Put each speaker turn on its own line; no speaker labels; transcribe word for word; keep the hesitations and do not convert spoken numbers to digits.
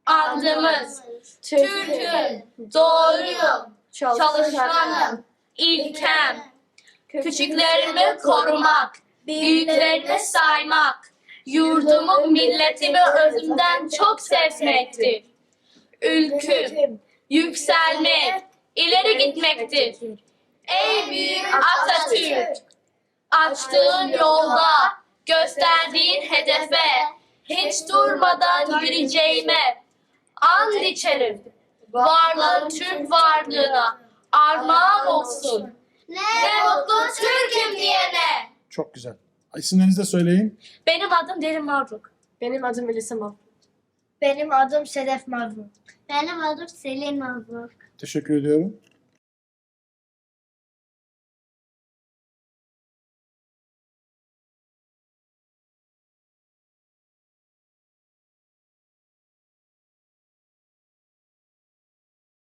andımız, Türk'üm, doğruyum, çalışkanım, ilkem, küçüklerimi korumak, büyüklerimi saymak, yurdumu, milletimi özümden çok sevmektir. Ülküm, yükselmek, ileri gitmektir. Ey büyük Atatürk! Açtığın yolda, gösterdiğin hedefe, hiç durmadan yürüyeceğime and içerim. Varlığın Türk varlığına armağan olsun. Ne mutlu Türk'üm diyene.
Çok güzel. İsimlerinizi de söyleyin.
Benim adım Derin Mavruk.
Benim adım Melisa Mavruk.
Benim adım Sedef Mavruk. Benim adım Selin Mavruk.
Teşekkür ediyorum.